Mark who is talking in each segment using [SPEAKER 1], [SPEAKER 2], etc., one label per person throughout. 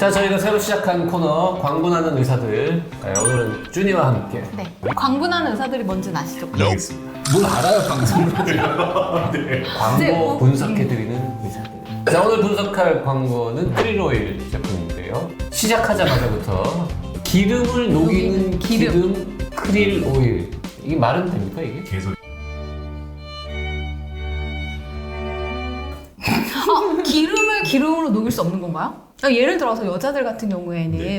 [SPEAKER 1] 자, 저희가 새로 시작한 코너 광분하는 의사들. 네, 오늘은 준이와 함께.
[SPEAKER 2] 네. 광분하는 의사들이 뭔지는 아시죠?
[SPEAKER 3] 알겠습니다.
[SPEAKER 4] 뭘 알아요, 방송을.
[SPEAKER 3] 네.
[SPEAKER 1] 광고 분석해드리는 의사들. 자, 오늘 분석할 광고는 크릴오일 제품인데요. 시작하자마자부터 기름을 녹이는 기름 크릴오일. 이게 말은 됩니까, 이게?
[SPEAKER 3] 계속
[SPEAKER 2] 기름을 기름으로 녹일 수 없는 건가요? 예를 들어서 여자들 같은 경우에는
[SPEAKER 3] 네.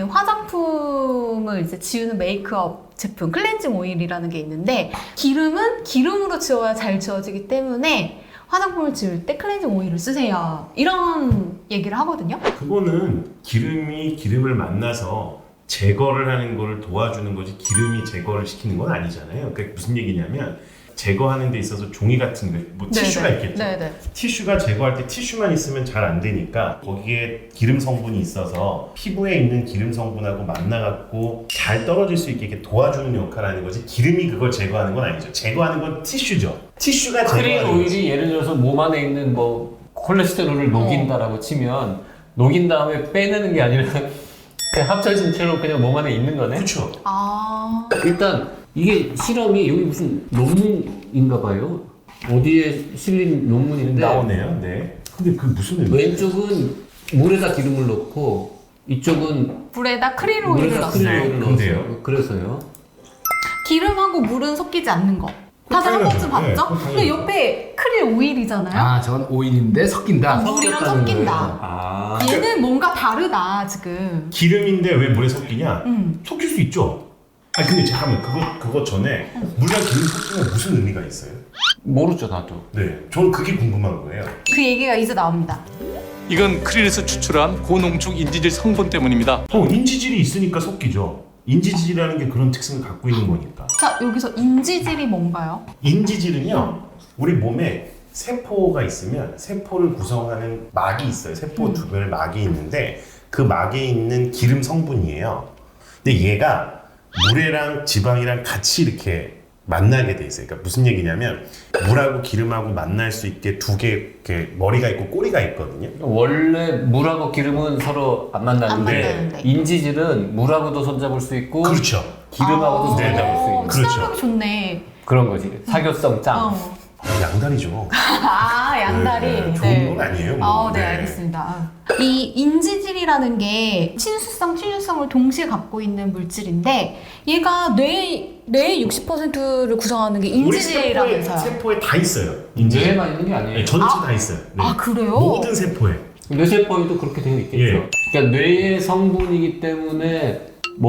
[SPEAKER 2] 화장품을 이제 지우는 메이크업 제품 클렌징 오일이라는 게 있는데 기름은 기름으로 지워야 잘 지워지기 때문에 화장품을 지울 때 클렌징 오일을 쓰세요. 이런 얘기를 하거든요.
[SPEAKER 3] 그거는 기름이 기름을 만나서 제거를 하는 걸 도와주는 거지 기름이 제거를 시키는 건 아니잖아요. 그러니까 무슨 얘기냐면 제거하는 데 있어서 종이 같은 거, 뭐 티슈가 있겠죠.
[SPEAKER 2] 네네.
[SPEAKER 3] 티슈가 제거할 때 티슈만 있으면 잘 안 되니까 거기에 기름 성분이 있어서 피부에 있는 기름 성분하고 만나갖고 잘 떨어질 수 있게 이렇게 도와주는 역할을 하는 거지 기름이 그걸 제거하는 건 아니죠. 제거하는 건 티슈죠. 티슈가
[SPEAKER 1] 크릴
[SPEAKER 3] 제거하는 거지.
[SPEAKER 1] 오일이 예를 들어서 몸 안에 있는 뭐 콜레스테롤을 녹인다라고 치면 녹인 다음에 빼내는 게 아니라 그냥 합쳐진 채로 그냥 몸 안에 있는 거네?
[SPEAKER 3] 그렇죠.
[SPEAKER 2] 아.
[SPEAKER 1] 일단 이게 실험이 여기 무슨 논문인가 봐요. 어디에 실린 논문인데
[SPEAKER 3] 나오네요. 네. 근데 그 무슨 의미?
[SPEAKER 1] 왼쪽은 물에다 기름을 넣고 이쪽은
[SPEAKER 2] 물에다 크릴 오일을
[SPEAKER 1] 물에다
[SPEAKER 2] 넣었어요.
[SPEAKER 1] 크릴 오일을
[SPEAKER 3] 근데요?
[SPEAKER 1] 넣었어요. 그래서요.
[SPEAKER 2] 기름하고 물은 섞이지 않는 거. 다들 한 번쯤
[SPEAKER 3] 당연하죠.
[SPEAKER 2] 봤죠?
[SPEAKER 3] 네,
[SPEAKER 2] 근데
[SPEAKER 3] 당연하죠.
[SPEAKER 2] 옆에 크릴 오일이잖아요.
[SPEAKER 4] 아, 전 오일인데 섞인다.
[SPEAKER 2] 물이랑
[SPEAKER 1] 섞였다는
[SPEAKER 2] 섞인다.
[SPEAKER 1] 거예요. 아.
[SPEAKER 2] 얘는 뭔가 다르다 지금.
[SPEAKER 3] 기름인데 왜 물에 섞이냐?
[SPEAKER 2] 음.
[SPEAKER 3] 섞일 수 있죠. 아 근데 잠깐만 그거 전에 물이랑 기름 섞이면 무슨 의미가 있어요?
[SPEAKER 1] 모르죠 나도.
[SPEAKER 3] 네, 저는 그게 궁금한 거예요.
[SPEAKER 2] 그 얘기가 이제 나옵니다.
[SPEAKER 5] 이건 크릴에서 추출한 고농축 인지질 성분 때문입니다.
[SPEAKER 3] 인지질이 있으니까 섞이죠. 인지질이라는 게 그런 특성을 갖고 있는 거니까.
[SPEAKER 2] 자, 여기서 인지질이 뭔가요?
[SPEAKER 3] 인지질은요, 우리 몸에 세포가 있으면 세포를 구성하는 막이 있어요. 세포 주변에 막이 있는데 그 막에 있는 기름 성분이에요. 근데 얘가 물이랑 지방이랑 같이 이렇게 만나게 돼 있어요. 그러니까 무슨 얘기냐면 물하고 기름하고 만날 수 있게 두 개 이렇게 머리가 있고 꼬리가 있거든요.
[SPEAKER 1] 원래 물하고 기름은 서로 안 만나는데,
[SPEAKER 2] 안 만나는데.
[SPEAKER 1] 인지질은 물하고도 손잡을 수 있고
[SPEAKER 3] 그렇죠.
[SPEAKER 1] 기름하고도 손잡을 수 있는
[SPEAKER 3] 그렇죠.
[SPEAKER 2] 친화력이 좋네.
[SPEAKER 1] 그런 거지. 사교성 짱.
[SPEAKER 2] 어.
[SPEAKER 3] 양다리죠.
[SPEAKER 2] 아, 양다리.
[SPEAKER 3] 네, 좋은 건 아니에요. 뭐.
[SPEAKER 2] 네, 알겠습니다. 이 인지질이라는 게 친수성, 친유성을 동시에 갖고 있는 물질인데 얘가 뇌의 60%를 구성하는 게
[SPEAKER 3] 우리
[SPEAKER 2] 인지질이라면서요.
[SPEAKER 3] 세포에 다 있어요. 인지질.
[SPEAKER 1] 뇌에만 있는 게 아니에요.
[SPEAKER 3] 네, 전체 다 있어요. 네.
[SPEAKER 2] 아, 그래요?
[SPEAKER 3] 모든 세포에.
[SPEAKER 1] 뇌세포에도 그렇게 되어 있겠죠.
[SPEAKER 3] 예.
[SPEAKER 1] 그러니까 뇌의 성분이기 때문에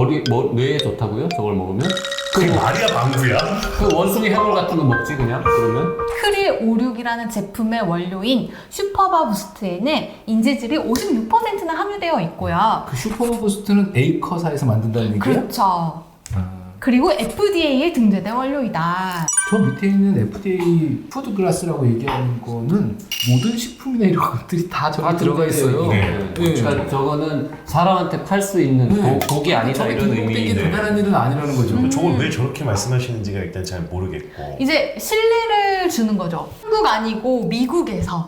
[SPEAKER 1] 뇌에 좋다고요? 저걸 먹으면?
[SPEAKER 3] 그게 말이야 방구야?
[SPEAKER 1] 그 원숭이 해물 같은 거 먹지 그냥 그러면?
[SPEAKER 2] 크릴 56이라는 제품의 원료인 슈퍼바 부스트에는 인지질이 56%나 함유되어 있고요.
[SPEAKER 4] 그 슈퍼버스트는 에이커사에서 만든다는 얘기예요?
[SPEAKER 2] 그렇죠.
[SPEAKER 4] 아,
[SPEAKER 2] 그리고 FDA에 등재된 원료이다.
[SPEAKER 4] 저 밑에 있는 FDA 푸드글라스라고 얘기하는 거는 모든 식품이나 이런 것들이 다 저기
[SPEAKER 1] 다
[SPEAKER 4] 들어가 있어요.
[SPEAKER 3] 네.
[SPEAKER 1] 그러니까 저거는 사람한테 팔 수 있는
[SPEAKER 4] 네.
[SPEAKER 1] 독이 아니다
[SPEAKER 4] 저게
[SPEAKER 1] 이런
[SPEAKER 4] 등록된 게
[SPEAKER 1] 의미인데.
[SPEAKER 4] 대단한 일은 아니라는 거죠.
[SPEAKER 3] 저걸 왜 저렇게 말씀하시는지가 일단 잘 모르겠고.
[SPEAKER 2] 이제 신뢰를 주는 거죠. 한국 아니고 미국에서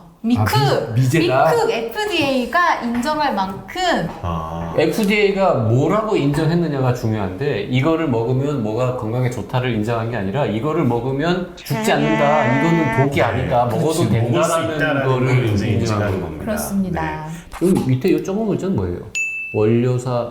[SPEAKER 4] 미제가?
[SPEAKER 2] 미국 FDA가 인정할 만큼
[SPEAKER 3] 아,
[SPEAKER 1] FDA가 뭐라고 인정했느냐가 중요한데 이거를 먹으면 뭐가 건강에 좋다를 인정한 게 아니라 이거를 먹으면 죽지 않는다. 이거는 독이 아니다. 먹어도
[SPEAKER 3] 그렇지, 먹을 수
[SPEAKER 1] 된다라는
[SPEAKER 3] 있다라는
[SPEAKER 1] 거를
[SPEAKER 3] 걸 이제
[SPEAKER 1] 인정한
[SPEAKER 3] 인정하는
[SPEAKER 1] 겁니다.
[SPEAKER 3] 겁니다.
[SPEAKER 2] 그렇습니다.
[SPEAKER 1] 여기 밑에 이 조그만 글자는 뭐예요? 원료사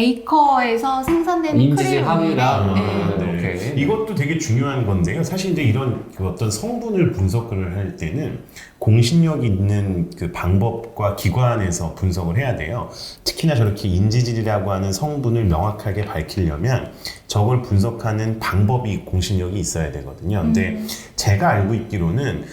[SPEAKER 2] 에이커에서 생산되는
[SPEAKER 1] 인지질
[SPEAKER 2] 크릴
[SPEAKER 1] 함유량.
[SPEAKER 2] 오일에
[SPEAKER 3] 네.
[SPEAKER 1] 오케이.
[SPEAKER 3] 이것도 되게 중요한 건데요. 사실 이제 이런 그 어떤 성분을 분석을 할 때는 공신력 있는 그 방법과 기관에서 분석을 해야 돼요. 특히나 저렇게 인지질이라고 하는 성분을 명확하게 밝히려면 저걸 분석하는 방법이 공신력이 있어야 되거든요. 근데 제가 알고 있기로는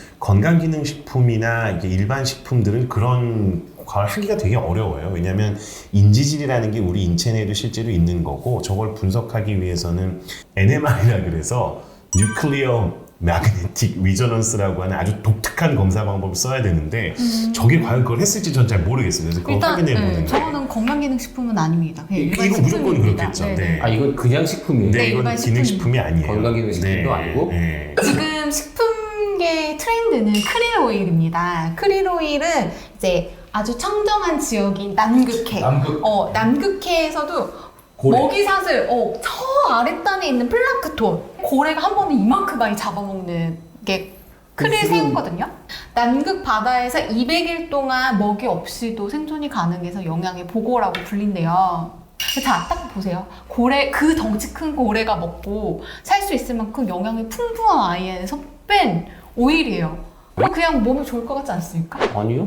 [SPEAKER 3] 건강기능식품이나 이게 일반 식품들은 그런 걸 하기가 되게 어려워요. 왜냐하면 인지질이라는 게 우리 인체 내에도 실제로 있는 거고 저걸 분석하기 위해서는 NMR이라 그래서 뉴클리어 매그네틱 리저넌스라고 하는 아주 독특한 검사 방법을 써야 되는데 저게 과연 그걸 했을지 전 잘 모르겠어요. 그래서 그거
[SPEAKER 2] 일단
[SPEAKER 3] 확인해 보는데
[SPEAKER 2] 저거는 건강기능식품은 아닙니다. 그냥 일반
[SPEAKER 3] 이거 무조건
[SPEAKER 2] 식품입니다.
[SPEAKER 3] 그렇겠죠.
[SPEAKER 2] 네네.
[SPEAKER 3] 네.
[SPEAKER 1] 아 이건 그냥 식품이에요.
[SPEAKER 2] 네,
[SPEAKER 3] 이건
[SPEAKER 2] 일반
[SPEAKER 3] 기능식품이 아니에요.
[SPEAKER 1] 건강기능식품도 아니고?
[SPEAKER 3] 네.
[SPEAKER 2] 지금 식품계 트렌드는 크릴 오일입니다. 크릴 오일은 이제 아주 청정한 지역인 남극해. 남극해에서도
[SPEAKER 4] 고래.
[SPEAKER 2] 먹이사슬, 저 아랫단에 있는 플랑크톤, 고래가 한 번에 이만큼 많이 잡아먹는 게 크릴 새우거든요. 남극 바다에서 200일 동안 먹이 없이도 생존이 가능해서 영양의 보고라고 불린대요. 자, 딱 보세요. 고래, 그 덩치 큰 고래가 먹고 살 수 있을 만큼 영양이 풍부한 아이에서 뺀 오일이에요. 그냥 몸에 좋을 것 같지 않습니까?
[SPEAKER 1] 아니요.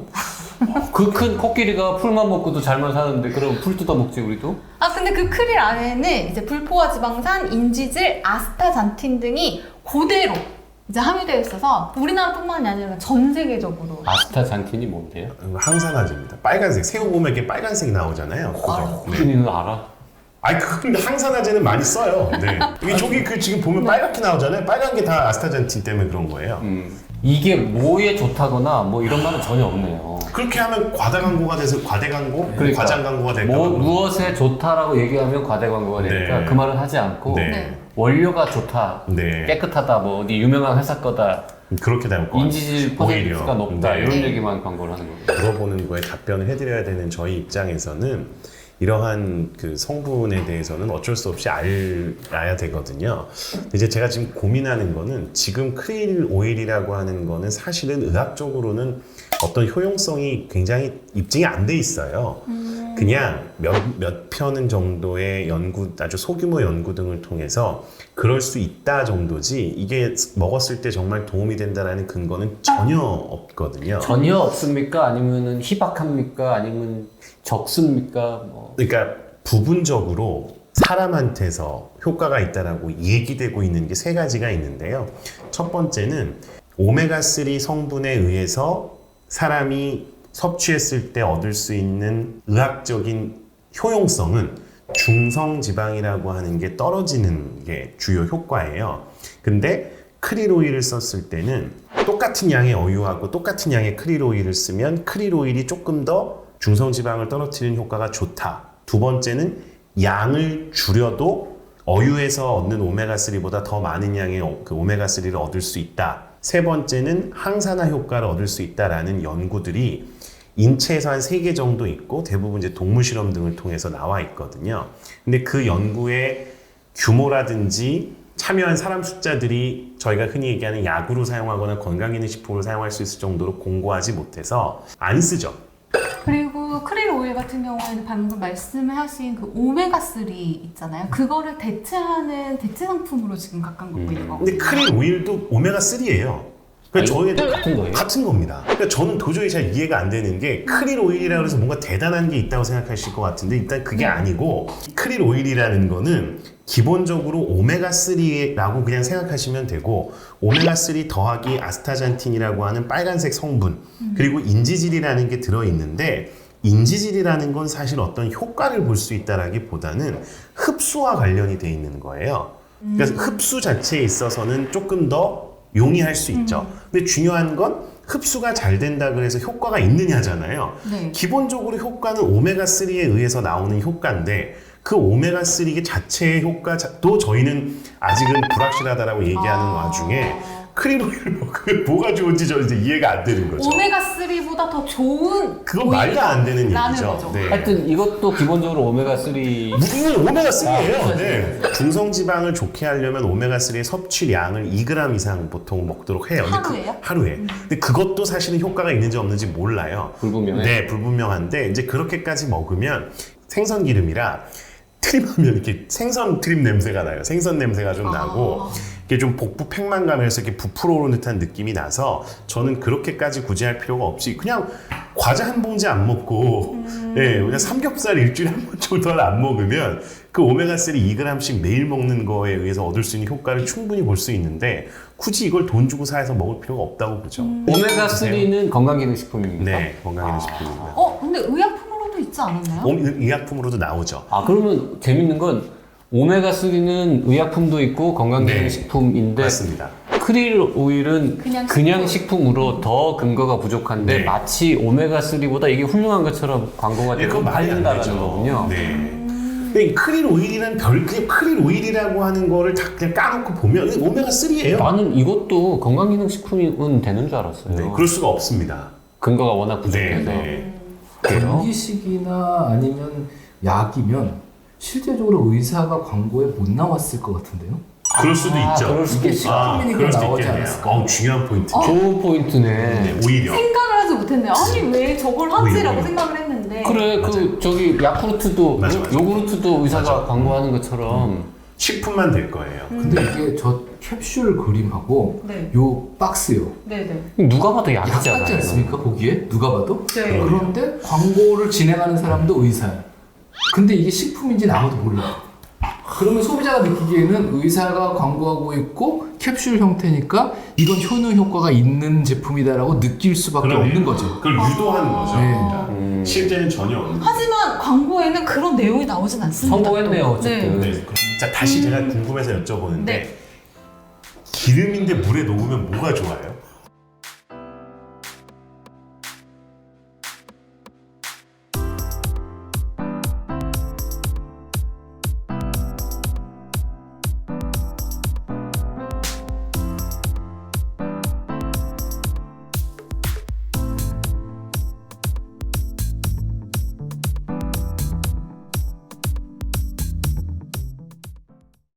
[SPEAKER 1] 그 큰 코끼리가 풀만 먹고도 잘만 사는데 그럼 풀 뜯어 먹지 우리도?
[SPEAKER 2] 근데 그 크릴 안에는 이제 불포화 지방산, 인지질, 아스타잔틴 등이 그대로 이제 함유되어 있어서 우리나라뿐만이 아니라 전 세계적으로.
[SPEAKER 1] 아스타잔틴이 뭔데요?
[SPEAKER 3] 항산화제입니다. 빨간색 새우 보면 이렇게 빨간색이 나오잖아요. 그거. 네.
[SPEAKER 1] 준이는 알아?
[SPEAKER 3] 아니 근데 항산화제는 많이 써요. 네. 저기 그 지금 보면 빨갛게 나오잖아요. 빨간 게 다 아스타잔틴 때문에 그런 거예요.
[SPEAKER 1] 이게 뭐에 좋다거나 뭐 이런 말은 전혀 없네요.
[SPEAKER 3] 그렇게 하면 과다광고가 돼서 과대광고,
[SPEAKER 1] 그러니까.
[SPEAKER 3] 과장광고가 될까 봐.
[SPEAKER 1] 무엇에 좋다라고 얘기하면 과대광고가 되니까
[SPEAKER 3] 네.
[SPEAKER 1] 그 말은 하지 않고
[SPEAKER 3] 네.
[SPEAKER 1] 원료가 좋다,
[SPEAKER 3] 네.
[SPEAKER 1] 깨끗하다, 뭐 어디 유명한 회사 거다,
[SPEAKER 3] 그렇게 나올 것 같아요.
[SPEAKER 1] 인지질 퍼센트가 높다
[SPEAKER 3] 네.
[SPEAKER 1] 이런 얘기만 광고를 하는 거예요.
[SPEAKER 3] 물어보는 거에 답변을 해드려야 되는 저희 입장에서는 이러한 그 성분에 대해서는 어쩔 수 없이 알아야 되거든요. 이제 제가 지금 고민하는 거는 지금 크릴 오일이라고 하는 거는 사실은 의학적으로는 어떤 효용성이 굉장히 입증이 안 돼 있어요. 그냥 몇 편 정도의 연구, 아주 소규모 연구 등을 통해서 그럴 수 있다 정도지 이게 먹었을 때 정말 도움이 된다라는 근거는 전혀 없거든요.
[SPEAKER 1] 전혀 없습니까? 아니면은 희박합니까? 아니면 적습니까? 뭐.
[SPEAKER 3] 그러니까 부분적으로 사람한테서 효과가 있다라고 얘기되고 있는 게 세 가지가 있는데요. 첫 번째는 오메가3 성분에 의해서 사람이 섭취했을 때 얻을 수 있는 의학적인 효용성은 중성지방이라고 하는 게 떨어지는 게 주요 효과예요. 근데 크릴 오일을 썼을 때는 똑같은 양의 어유하고 똑같은 양의 크릴 오일을 쓰면 크릴 오일이 조금 더 중성지방을 떨어뜨리는 효과가 좋다. 두 번째는 양을 줄여도 어유에서 얻는 오메가3보다 더 많은 양의 그 오메가3를 얻을 수 있다. 세 번째는 항산화 효과를 얻을 수 있다라는 연구들이 인체에서 한 3개 정도 있고 대부분 이제 동물 실험 등을 통해서 나와 있거든요. 근데 그 연구의 규모라든지 참여한 사람 숫자들이 저희가 흔히 얘기하는 약으로 사용하거나 건강기능식품으로 사용할 수 있을 정도로 공고하지 못해서 안 쓰죠.
[SPEAKER 2] 그리고 크릴 오일 같은 경우에는 방금 말씀하신 그 오메가3 있잖아요. 그거를 대체하는 대체 상품으로 지금 가까운 걷고 있는 거거든요.
[SPEAKER 3] 근데 크릴 오일도 오메가3예요. 그러니까
[SPEAKER 1] 아니,
[SPEAKER 3] 저희
[SPEAKER 1] 같은 거예요?
[SPEAKER 3] 같은 겁니다. 그러니까 저는 도저히 잘 이해가 안 되는 게 크릴 오일이라고 해서 뭔가 대단한 게 있다고 생각하실 것 같은데 일단 그게 아니고 크릴 오일이라는 거는 기본적으로 오메가3라고 그냥 생각하시면 되고 오메가3 더하기 아스타잔틴이라고 하는 빨간색 성분 그리고 인지질이라는 게 들어있는데 인지질이라는 건 사실 어떤 효과를 볼 수 있다라기보다는 흡수와 관련이 돼 있는 거예요. 그래서 흡수 자체에 있어서는 조금 더 용이할 수 있죠. 근데 중요한 건 흡수가 잘 된다 그래서 효과가 있느냐잖아요.
[SPEAKER 2] 네.
[SPEAKER 3] 기본적으로 효과는 오메가3에 의해서 나오는 효과인데 그 오메가3 자체의 효과도 저희는 아직은 불확실하다라고 얘기하는 와중에 크릴 오일을 먹으면 뭐가 좋은지 저는 이제 이해가 안 되는 거죠.
[SPEAKER 2] 오메가3보다 더 좋은
[SPEAKER 3] 그건 말도 안 되는
[SPEAKER 2] 라는
[SPEAKER 3] 얘기죠.
[SPEAKER 2] 거죠.
[SPEAKER 3] 네.
[SPEAKER 1] 하여튼 이것도 기본적으로 오메가3
[SPEAKER 3] 이건 오메가3예요.
[SPEAKER 1] 아,
[SPEAKER 3] 네. 중성지방을 좋게 하려면 오메가3의 섭취량을 2g 이상 보통 먹도록 해요. 근데
[SPEAKER 2] 하루에요?
[SPEAKER 3] 하루에. 근데 그것도 사실은 효과가 있는지 없는지 몰라요.
[SPEAKER 1] 불분명해.
[SPEAKER 3] 네, 불분명한데 이제 그렇게까지 먹으면 생선 기름이라 트림하면 이렇게 생선 트림 냄새가 나요. 생선 냄새가 좀 나고 이게 좀 복부 팽만감에서 이렇게 부풀어 오르는 듯한 느낌이 나서 저는 그렇게까지 굳이 할 필요가 없이 그냥 과자 한 봉지 안 먹고 예, 그냥 삼겹살 일주일에 한 번 정도를 안 먹으면 그 오메가3 2g씩 매일 먹는 거에 의해서 얻을 수 있는 효과를 충분히 볼 수 있는데 굳이 이걸 돈 주고 사서 먹을 필요가 없다고 보죠.
[SPEAKER 1] 오메가3는 건강기능식품입니까?
[SPEAKER 3] 네, 건강기능식품입니다.
[SPEAKER 2] 근데 의약품으로도 있지 않았나요?
[SPEAKER 3] 의약품으로도 나오죠.
[SPEAKER 1] 아 그러면 재밌는 건 오메가3는 의약품도 있고 건강기능식품인데
[SPEAKER 3] 맞습니다.
[SPEAKER 1] 크릴 오일은
[SPEAKER 2] 그냥
[SPEAKER 1] 식품으로 더 근거가 부족한데
[SPEAKER 3] 네.
[SPEAKER 1] 마치 오메가3보다 이게 훌륭한 것처럼 광고가
[SPEAKER 3] 네,
[SPEAKER 1] 되고
[SPEAKER 3] 그건 말이 안
[SPEAKER 1] 팔린다는
[SPEAKER 3] 되죠.
[SPEAKER 1] 거군요.
[SPEAKER 3] 네. 근데 크릴 오일이란 그냥 크릴 오일이라고 하는 거를 다 그냥 까놓고 보면 오메가3예요.
[SPEAKER 1] 나는 이것도 건강기능식품은 되는 줄 알았어요.
[SPEAKER 3] 네, 그럴 수가 없습니다.
[SPEAKER 1] 근거가 워낙
[SPEAKER 3] 네,
[SPEAKER 1] 부족해서.
[SPEAKER 3] 네.
[SPEAKER 4] 전기식이나 아니면 약이면 실제적으로 의사가 광고에 못 나왔을 것 같은데요?
[SPEAKER 3] 그럴 수도 있죠.
[SPEAKER 1] 그럴 수도
[SPEAKER 4] 이게
[SPEAKER 1] 있어.
[SPEAKER 4] 식품이니까
[SPEAKER 3] 그럴 수도
[SPEAKER 4] 나오지
[SPEAKER 3] 있겠네요.
[SPEAKER 4] 않았을까?
[SPEAKER 3] 중요한 포인트.
[SPEAKER 1] 좋은 포인트네.
[SPEAKER 3] 네, 오히려.
[SPEAKER 2] 생각을 하지 못했네요. 아니 왜 저걸 하지라고
[SPEAKER 3] 오히려.
[SPEAKER 2] 생각을 했는데.
[SPEAKER 1] 그래,
[SPEAKER 3] 맞아요.
[SPEAKER 1] 저기 야쿠르트도,
[SPEAKER 3] 맞아, 맞아.
[SPEAKER 1] 요구르트도 의사가
[SPEAKER 3] 맞아.
[SPEAKER 1] 광고하는 것처럼.
[SPEAKER 3] 식품만 될 거예요.
[SPEAKER 4] 근데 이게 저 캡슐 그림하고
[SPEAKER 2] 네.
[SPEAKER 4] 요 박스요.
[SPEAKER 2] 네네.
[SPEAKER 1] 누가 봐도
[SPEAKER 4] 약
[SPEAKER 1] 약이잖아요.
[SPEAKER 4] 같지 않습니까? 보기에? 누가 봐도?
[SPEAKER 2] 네.
[SPEAKER 4] 그런데 광고를 진행하는 사람도 의사야. 근데 이게 식품인지는 아무도 몰라. 그러면 소비자가 느끼기에는 의사가 광고하고 있고 캡슐 형태니까 이건 효능 효과가 있는 제품이다라고 느낄 수밖에
[SPEAKER 3] 그러네요.
[SPEAKER 4] 없는 거죠.
[SPEAKER 3] 그걸 유도하는 거죠.
[SPEAKER 4] 네.
[SPEAKER 3] 실제는 전혀 없는.
[SPEAKER 2] 하지만 광고에는 그런 내용이 나오진 않습니다.
[SPEAKER 1] 성공했네요,
[SPEAKER 2] 또.
[SPEAKER 1] 어쨌든.
[SPEAKER 3] 네. 자, 다시 제가 궁금해서 여쭤보는데
[SPEAKER 2] 네.
[SPEAKER 3] 기름인데 물에 녹으면 뭐가 좋아요?